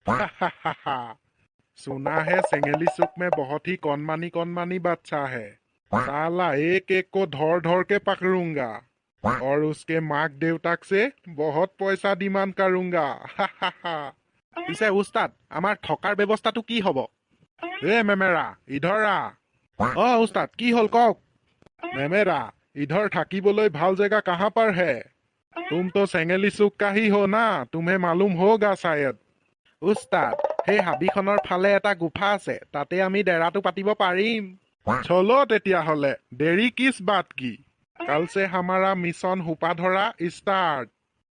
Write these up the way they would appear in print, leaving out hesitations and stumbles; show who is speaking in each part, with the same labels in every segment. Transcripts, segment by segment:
Speaker 1: सुना है सेंगेली सुक में बहुत ही कौनमानी बच्चा है। साला एक एक को धर धर के पकड़ूंगा और उसके माक देवताक से बहुत पैसा डिमांड करूंगा। পিছে উস্তাদ আমাৰ থকাৰ ব্যৱস্থাটো কি হ'ব? মেমেৰা ইধৰ উস্তাদ কি হ'ল কওক? মেমেৰা इधर থাকিবলৈ ভাল জেগা कहाँ पर है? तुम तो सेंगेली सुक का ही हो ना, तुम्हें मालूम होगा शायद। উস্তাদ সেই হাবিখনৰ ফালে এটা গুফা আছে, তাতে আমি ডেৰাটো পাতিব পাৰিম। চলো তেতিয়াহ'লে, দেৰি কিছ বাত কি? কাল से हमारा मिशन हुपा धरा स्टार्ट।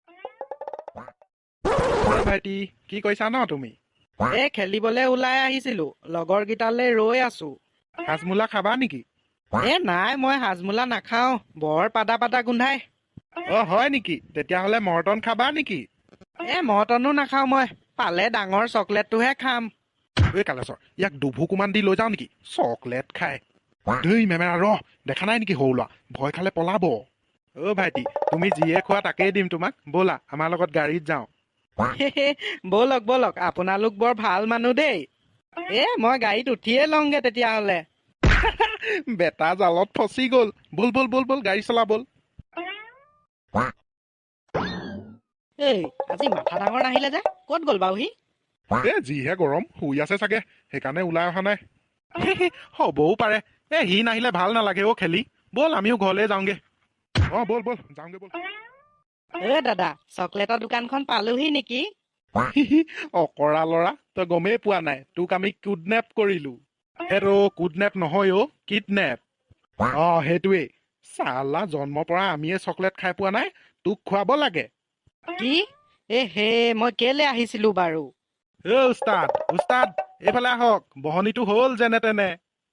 Speaker 1: ভাইটি কি কৈছা ন তুমি?
Speaker 2: খেলিবলৈ ওলাই আহিছিলো, লগৰ কেইটালৈ ৰৈ আছো।
Speaker 1: হাজমোলা খাবা নেকি?
Speaker 2: নাই, মই হাজমোলা নাখাও, বৰ পাদা পাদা গোন্ধাই।
Speaker 1: হয় নেকি? তেতিয়াহ'লে মৰ্টন খাবা নেকি?
Speaker 2: মটনো নাখাও, মই পালে ডাঙৰ চকলেটটোহে খাম।
Speaker 1: কালেশ্বৰ ইয়াক দুভুকুমান দি লৈ যাওঁ নেকি? চকলেট খাই ধুই মেমেৰা দেখা নাই নেকি সৰু ল'ৰা? ভয় খালে পলাব। ভাইটি তুমি যিয়ে খোৱা তাকেই দিম তোমাক, ব'লা আমাৰ লগত গাড়ীত যাওঁ।
Speaker 2: ব'লক ব'লক, আপোনালোক বৰ ভাল মানুহ দেই। মই গাড়ীত উঠিয়ে লওঁগে তেতিয়াহ'লে।
Speaker 1: বেটা জালত ফচি গ'ল। বল বল বল বল গাড়ী চলা বল।
Speaker 2: আজি মাথা ডাঙৰ নাহিলে যে, ক'ত গ'ল বাৰু সি?
Speaker 1: যিহে গৰম, শুই আছে চাগে, সেইকাৰণে ওলাই অহা নাই। হ'বও পাৰে। সি নাহিলে ভাল নালাগে খেলি। ব'ল আমিও ঘৰলৈ যাওঁগে। বল বল যাওঁগে বল।
Speaker 2: দাদা, চকলেটৰ দোকানখন পালোহি নেকি?
Speaker 1: অকৰা ল'ৰা, তই গমেই পোৱা নাই, তোক আমি কিডনেপ কৰিলো। কিডনেপ নহয় কিডনেপ। সেইটোৱেই। চালা জন্মৰ পৰা আমিয়ে চকলেট খাই পোৱা নাই, তোক খুৱাব লাগে।
Speaker 2: কি? মই কেলে আহিছিলো বাৰু?
Speaker 1: উস্তাদ উস্তাদ এইফালে আহক, বহনীটো হ'ল যেনে তেনে।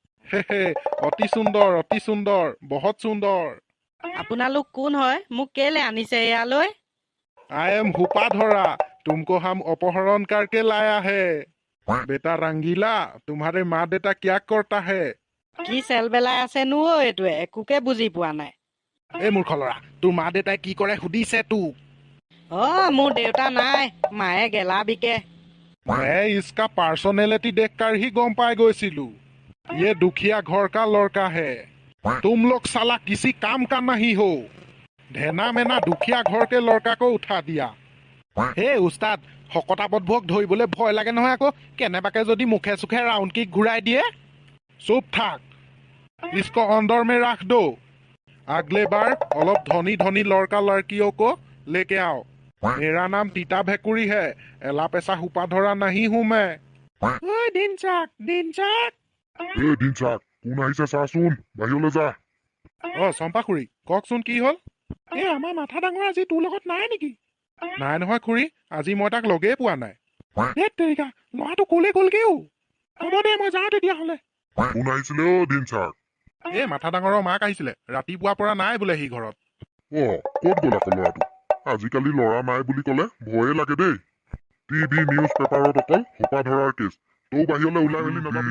Speaker 1: অতি সুন্দৰ অতি সুন্দৰ, বহুত সুন্দৰ।
Speaker 2: আপোনালোক কোন হয়? মোক কেলে আনিছে ইয়ালৈ?
Speaker 1: आई एम हुपा धरा, तुमको हम अपहरण करके लाया है। बेटा रंगीला, तुम्हारे माँ बेटा क्या करता है?
Speaker 2: কি চেল বেলাই আছেনো এইটোৱে, একোকে বুজি পোৱা নাই।
Speaker 1: মূৰ্খ ল'ৰা, তোৰ মা দেউতাই কি কৰে সুধিছে তোক।
Speaker 2: মোৰ দেউতা নাই, মায়ে গেলা বিকে।
Speaker 1: मैं इसका पर्सनैलिटी देखकर ही गम पाए গৈছিলো। ये दुखिया घर का लड़का है। तुम लोग साला किसी काम का नहीं हो। ढेना मेना दुखिया घर के लड़का को उठा दिया। উস্তাদ শকতাবতবোৰক ধৰিবলৈ ভয় লাগে নহয় আকৌ। কেনেবাকে যদি মুখে চুখে ৰাউণ্ড কিক ঘূৰাই দিয়ে। চুপ থাক, इसको अंदर में रख दो। अगले बार অলপ ধনী ধনী लड़का लड़कियों को लेके आओ। मेरा नाम टीटा भेकुरी है, एला पैसा हुपा धरा नहीं हूं मैं। দিনচাক দিনচাক। দিনচাক কোন আহিছে চাচোন, বাহিৰলৈ যা। চম্পা খুৰী কওকচোন কি হ'ল? আমাৰ মাথা ডাঙৰ আজি তোৰ লগত নাই নেকি? নাই নহয় খুৰী, আজি মই তাক লগেই পোৱা নাই। তেৰিকা ল'ৰাটো কলে গ'লগেও। হ'ব দে মই যাওঁ তেতিয়াহ'লে। কোন আহিছিলে দিনচাক? মাথা ডাঙৰৰ মাক আহিছিলে, ৰাতিপুৱাৰ পৰা নাই বোলে সি ঘৰত। ক'ত গ'ল আকৌ ল'ৰাটো? আজিকালি ল'ৰা নাই বুলি ক'লে ভয়ে লাগে দেই। টিভি নিউজ পেপাৰত অকল সোপা ধৰাৰ কেছ। তৌ বাহিৰলৈ ওলাই মেলি নাযাবি।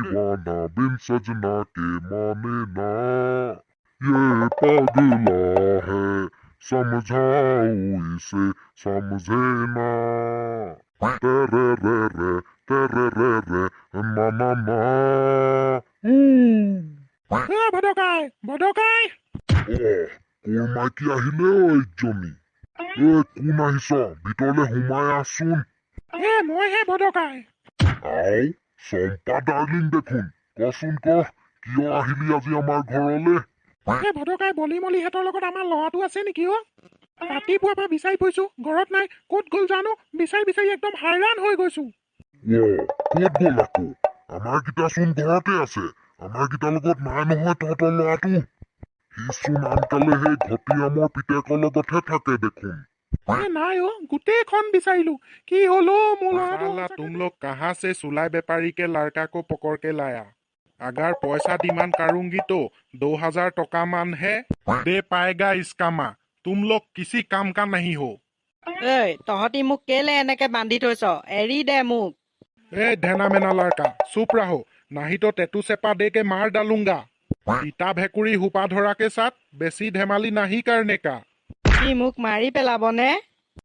Speaker 1: समझाओ इसे समझे ना। तेरे रे मामा ভদকাই ভদকাই। কোৰ মাইকী আহিলে ইজনী। কোন আহিছ? ভিতৰলৈ সোমাই আছোন। মইহে ভদকাই। চম্পা ডাৰ্লিং দেখোন, কচোন কিয় আহিলি আজি আমাৰ ঘৰলে? ভদকাই বলি মলিহঁতৰ লগত আমাৰ ল'ৰাটো আছে নেকি? ৰাতিপুৱাৰ পৰা বিচাৰি ফুৰিছো, ঘৰত নাই। ক'ত গ'ল জানো? বিচাৰি বিচাৰি একদম হাইৰাণ হৈ গৈছো। ক'ত গ'ল আকৌ? আমাৰ কেইটাচোন ঘৰতে আছে। আমাৰ কেইটাৰ লগত নাই নহয় তহঁতৰ ল'ৰাটো। সিচোন আনকালে সেই ঘটিয়ামৰ পিতেকৰ লগতহে থাকে দেখোন। নাই গোটেইখন বিচাৰিলো, কি হলো মোৰ ল'ৰা? तुम लोग कहाँ से सुलाई व्यापारी के लड़का को पकड़ के लाया? अगर पैसा डिमांड करूंगी तो 2000 टका मान है, दे पाएगा इसका माँ। तुम लोग किसी काम का नहीं हो।
Speaker 2: তহঁতি মোক কেলে এনেকে বান্ধি থৈছ? এৰি দে মোক।
Speaker 1: ढेना मेना लड़का चुप रहो, नहीं तो टेटू सेपा दे के मार डालूंगा। टीटा भेकुरी हुपा धरा के साथ बेसी धেমালি नहीं करने का।
Speaker 2: সি মোক মাৰি পেলাবনে?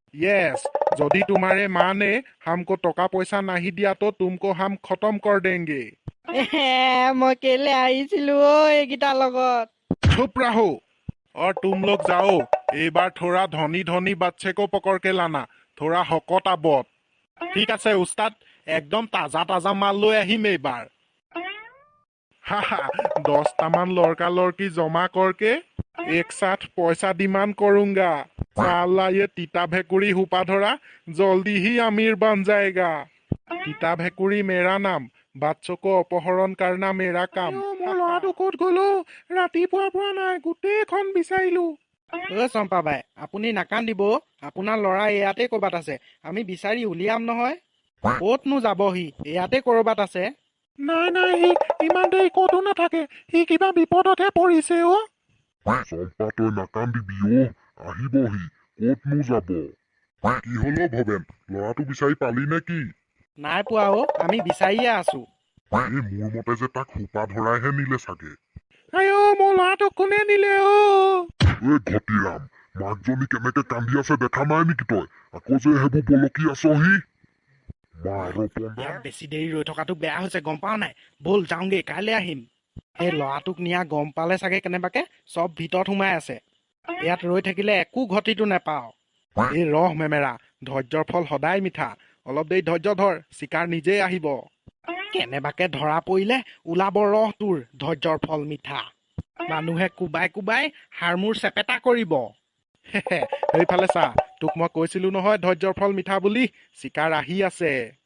Speaker 1: यस, যদি तुम्हारे माँ ने हमको टका पैसा नहीं दिया तो तुमको हम खत्म कर देंगे।
Speaker 2: মই কেলে আহিছিলো এইকেইটাৰ লগত।
Speaker 1: चुप रहो और तुम लोग जाओ। एक बार थोड़ा धनी धनी बच्चे को पकड़ के लाना, थोड़ा हकत आबत। ঠিক আছে উস্তাদ, একদম তাজা তাজা মাল লৈ আহিম এইবাৰ। হাহা, 10টামান লড়का लड़की जमा करके एक साथ पैसा डिमांड करूंगा। साला ये तीता भेकुरी हुपा धरा जल्दी ही अमीर बन जाएगा। तीता भेकुरी मेरा नाम, বাচ্চো কো অপহৰণ करना मेरा काम। মোৰ ল'ৰাটো ক'ত গ'লো? ৰাতিপুৱাৰ পৰা নাই, গোটেইখন বিচাৰিলো।
Speaker 2: চম্পা বাই, আপুনি নাকান্দিব। আপোনাৰ ল'ৰা ইয়াতে ক'ৰবাত আছে, আমি বিচাৰি উলিয়াম নহয়। ক'তনো যাব সি, ইয়াতে ক'ৰবাত আছে।
Speaker 1: নাই নাই, সি ইমান দেৰি ক'তো নাথাকে, সি কিবা বিপদতহে পৰিছে অ।
Speaker 3: চম্পা তই নাকান্দিবি অ, আহিবহি, ক'তনো যাব। কি হলো ভৱেন, ল'ৰাটো বিচাৰি পালি নে কি?
Speaker 2: নাই পোৱা অ, আমি বিচাৰিয়ে আছো।
Speaker 3: এই মোৰ মতে যে তাক সোপা ধৰাইহে নিলে চাগে।
Speaker 1: আইঅ, মোৰ ল'ৰাটোক কোনে নিলে অ?
Speaker 3: এই ঘটিৰাম, মাকজনী কেনেকে কান্দি আছে দেখা নাই নেকি তই? আকৌ যে সেইবোৰ বলকি আছহি।
Speaker 2: ইয়াত বেছি দেৰি ৰৈ থকাটো বেয়া হৈছে, গম পাৱ নাই? ব'ল যাওঁগে, কাইলৈ আহিম। এই ল'ৰাটোক নিয়া গম পালে চাগে কেনেবাকে চব ভিতৰত সোমাই আছে। ইয়াত ৰৈ থাকিলে একো ঘটিটো নেপাওঁ। এই ৰহ মেমেৰা, ধৈৰ্যৰ ফল সদায় মিঠা। অলপ দেৰি ধৈৰ্য ধৰ, চিকাৰ নিজেই আহিব। কেনেবাকে ধৰা পৰিলে ওলাব ৰহ তোৰ ধৈৰ্যৰ ফল মিঠা। মানুহে কোবাই কোবাই হাড়মূৰ চেপেটা কৰিব। সেইফালে চা, তোক মই কৈছিলো নহয় ধৈৰ্যৰ ফল মিঠা বুলি। চিকাৰ আহি আছে।